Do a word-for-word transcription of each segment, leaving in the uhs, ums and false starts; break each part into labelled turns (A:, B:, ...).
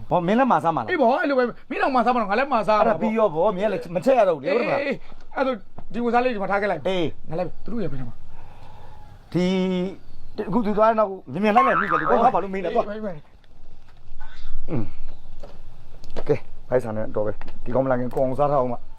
A: ဘောမင်းလည်းမစားမှာလား
B: အေးဘောအဲ့လိုပဲမင်းတော့မစားမတော့ငါလည်းမစား
A: အဲ့ဒါပြီးရောဘောမင်းလည်းမချက်ရတော့ဘူးလေဟုတ်လား
B: အေးအဲ့ဒါဒီကိုစားလေးဒီမှာထားခဲ့လိုက်
A: အေး
B: ငါလည်းသူတို့ရပြန်မှာ
A: ဒီအခုသူသွားတော့မြင်မြင်လိုက်လိုက်ပြီးကြတယ်ဘောဘာလို့မင်းလဲတော့อืมကဲဖိုက်ဆန်နဲ့တော့ပဲဒီကောင်မလာခင်ကိုအောင်စားထားအောင်ပါ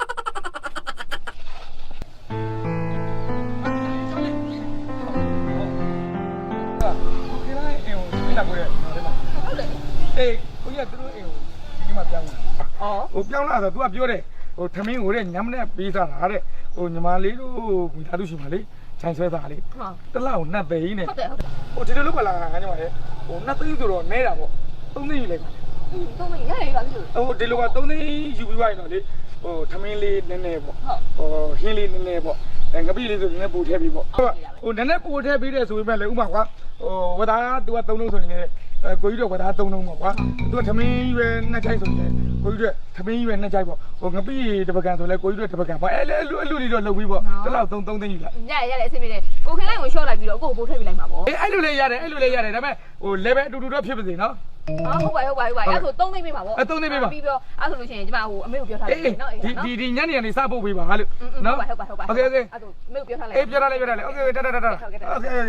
B: အေးကိုကြီးကသူတို့အိမ်ကိုဒီမှာပြောင်းလာ။ဩဟိုပြောင်းလာဆို तू ကပြောတယ်ဟိုထမင်းကိုတဲ့ညမနဲ့ပေးစားတာတဲ့ဟိုညီမလေးတို့မိသားစုရှင်မလေးခြိုင်ဆွဲသားလေးတလောက်နှက်သိန်းနဲ့ဟုတ်တယ်ဟုတ်တယ်ဟိုဒီလိုလုပ်ပါလားငါညီမလေးဟိုနှက်သိန်းဆိုတော့နဲတာပေါ့သုံးသိန်းယူလိုက်ပါ
C: သုံးသိန်းရရပါပြီ
B: ဟိုဒီလိုကသုံးသိန်းယူပြီးပါရင်တော့လေဟိုထမင်းလေးနည်းနည်းပေါ့ဟိုဟင်းလေးနည်းနည်းပေါ့အဲငပိလေးဆိုနည်းနည်းပို့ထည့်ပြီးပေါ့ဟိုနည်းနည်းပို့ထည့်ပြီးတဲ့ဆိုပေမဲ့လေဥမာကွာဟိုဝဒါက तू ကသုံးလုံးဆိုရင်လေအဲကိုကြီးတော့ကဒါသုံးလုံးပေါ့ကွာသူကထမင်းရွယ်နှစ်ချိုက်ဆိုရင်ကိုကြီးတို့ထမင်းရွယ်နှစ်ချိုက်ပေါ့ဟိုငပိတပကံဆိုလဲကိုကြီးတို့တပကံပေါ့အဲလေအလူအလူတွေတော့လုပ်ပြီးပေါ့တလောက်သုံးသုံးသိန်းယူလိုက်
C: ရရရတယ်အဆင်ပြေတယ်ကိုခင်လိုက်ကိုရှော့လိုက်ပြီးတော့ကိုကိုပို့ထည့်ပေးလိုက်မှာပေါ့
B: အေးအဲ့လိုလေးရတယ်အဲ့လိုလေးရတယ်ဒါပေမဲ့ဟို level အတူတူတော့ဖြစ်ပါစေနော်
C: ဟာဟုတ်ပါဟုတ်ပါဟုတ်ပါအဲ့ဆိုသုံးသိန်းပေးပါပေါ့
B: အဲသုံးသိန်းပေးပါ
C: ပြီးတော့အဲ့ဆိုလို့ရှိရင်ကျမဟိုအမေကိုပြောထားလိုက်နော်
B: ဒီဒီဒီညနေကနေစပို့ပေးပါဟာလို့
C: နော်ဟုတ်ပါဟုတ်ပါ
B: โอเคโอเค
C: အဲ့ဆိုအမေကိုပြောထားလိုက်
B: အေးပြောထားလိုက်ပြောထားလိုက်โอเคတတတတโอเคโอเค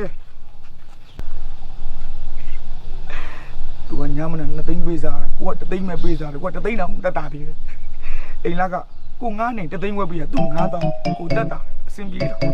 B: သူကညမနဲ့နှစ်သိန်းပေးစားတယ်ကိုကတစ်သိန်းပဲပေးစားတယ်ကိုကတစ်သိန်းတောင်တက်တာပြီအိမ်လက်ကကိုငားနေတစ်သိန်းဝက်ပေးရသူငားတောင်ကိုတက်တာအဆင်ပြေတော့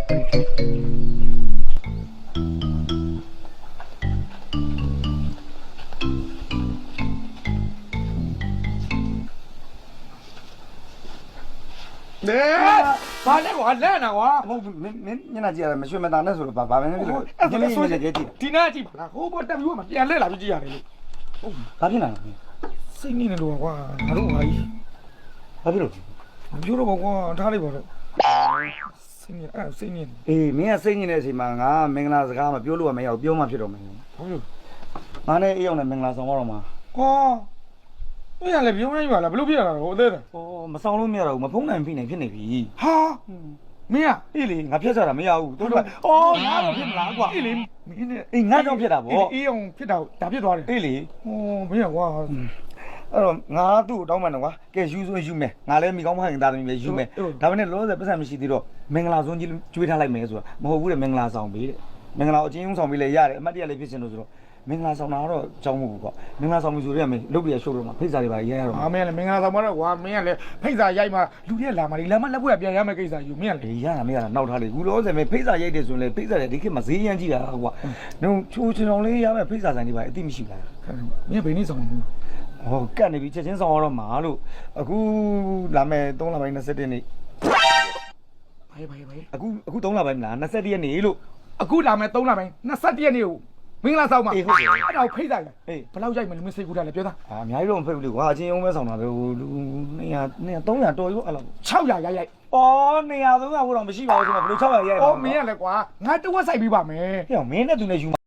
B: နေဘာလဲကွာလဲနာကွာ
A: ဟုတ်မင်းမင်းညနာကြည့်ရတယ်မရွှေမသားနဲ့ဆိုတော့ဘာဘာပဲဖြစ်လို့ညနေညနေကြည့်
B: ဒီနာကြည့်ပါလားဟိုဘတက်ပြီးမှပြန်လဲလာပြီးကြည့်ရတယ်လို့
A: ဟုတ်ဘာဖြစ်လာလဲ
B: စိတ်နေနေလို့ကွာငါတို့ဟာကြီး
A: ဘာဖြစ်လို့
B: မပြောတော့ကွာထားလိုက်ပါတော့စိတ်နေအဲ့စိတ်နေ
A: အေးမင်းကစိတ်ညစ်တဲ့အချိန်မှာငါမင်္ဂလာစကားမပြောလို့မရဘူးပြောမှဖြစ်တော့မယ်
B: ဟုတ်လို့
A: ငါနဲ့အေးအောင်နဲ့မင်္ဂလာဆောင်တော့မှာ
B: ဟောမင်းကလည်းပြောင်းနေပါလားဘလို့ဖြစ်ရတာတော့အသေးတယ်
A: ဟောမဆောင်လို့မရတော့ဘူးမဖုံးနိုင်ဖိနေဖြစ်နေပြီ
B: ဟာမင်းက
A: အေးလေငါဖြတ်ချတာမရဘူးတို့ကအော်ငါတော့ဖြစ်မလားကွာ
B: အေးလေမင်းနဲ့
A: အေးငါကြောင့်ဖြစ်တာဗော
B: အေးအောင်ဖြစ်တာဒါဖြစ်သွားတယ်
A: အေးလေ
B: ဟောမင်းကကွာ
A: အဲ့တော့ငါသူ့ကိုတောင်းမှန်တော့ကွာကဲယူဆိုယူမယ်ငါလည်းမိကောင်းမဟင်သားသမီးပဲယူမယ်ဒါပေမဲ့လောလောဆယ်ပတ်စံမရှိသေးတော့မင်္ဂလာဆုံးကြီးကျွေးထားလိုက်မယ်ဆိုတာမဟုတ်ဘူးတဲ့မင်္ဂလာဆောင်ပေးတဲ့မင်္ဂလာအချင်းချင်းဆောင်ပေးလဲရတယ်အမတ်တရလေးဖြစ်ရှင်လို့ဆိုတော့မင်္ဂလာဆောင်တာတော့ကြောင်းမဟုတ်ဘူးကွာမင်္ဂလာဆောင်ပြီဆိုတော့မင်းလုတ်ပြရရှုပ်တော့မှာဖိတ်စာတွေပါရဲရတော့
B: အာမင်းလည်းမင်္ဂလာဆောင်မတော့ကွာမင်းကလည်းဖိတ်စာရိုက်မှလူတွေကလာမှလေလာမှလက်ပွေပြန်ရမယ်ကိစ္စယူမင်းက
A: လေရတာမရတာနောက်ထားလေဘူးလို့ဆိုရင်ဖိတ်စာရိုက်တယ်ဆိုရင်လေဖိတ်စာတွေဒီခေတ်မှာဈေးရမ်းကြည့်တာကွာနှုံချိုးချင်အောင်လေးရမယ်ဖိတ်စာဆိုင်တွေပါအတိမရှိလား
B: မင်းဘယ်နည်းဆောင်ဘူး
A: ဟောကတ်နေပြီချက်ချင်းဆောင်ရတော့မှာလို့အခုလာမယ်သုံးလပိုင်း၂၁နေ့
B: ဘာဘာဘာ
A: အခုအခုသုံးလပိုင်းမလား၂၁ရက်နေ့လို့
B: အခုလာမယ်သုံးလပိုင်း၂၁ရက်နေ့ကိုမင်္ဂလာဆောင်မှာ
A: အေးဟုတ်တယ်
B: အဲ့ဒါကိုဖိတ်လိုက်
A: အေး
B: ဘယ်လောက်ရိုက်မလဲမစိတ်ကူတာလဲပြောသား
A: အာအများကြီးတော့မဖိတ်ဘူးလေကွာအချင်းအောင်ပဲဆောင်တာပဲဟိုလူ၂၀၀ ၂၀၀ ၃၀၀တော်ရောအဲ့လောက်
B: ၆၀၀ရိုက်ရိုက်
A: အော်၂၀၀ ၃၀၀ဘို့တော့မရှိပါဘူးဆိုတော့ဘယ်လို၆၀၀ရိုက်
B: အော်မင်းရလဲကွာငါတဝက်ဆိုင်ပြီးပါမယ်
A: ဟဲ့မင်းနဲ့သူနဲ့ယူ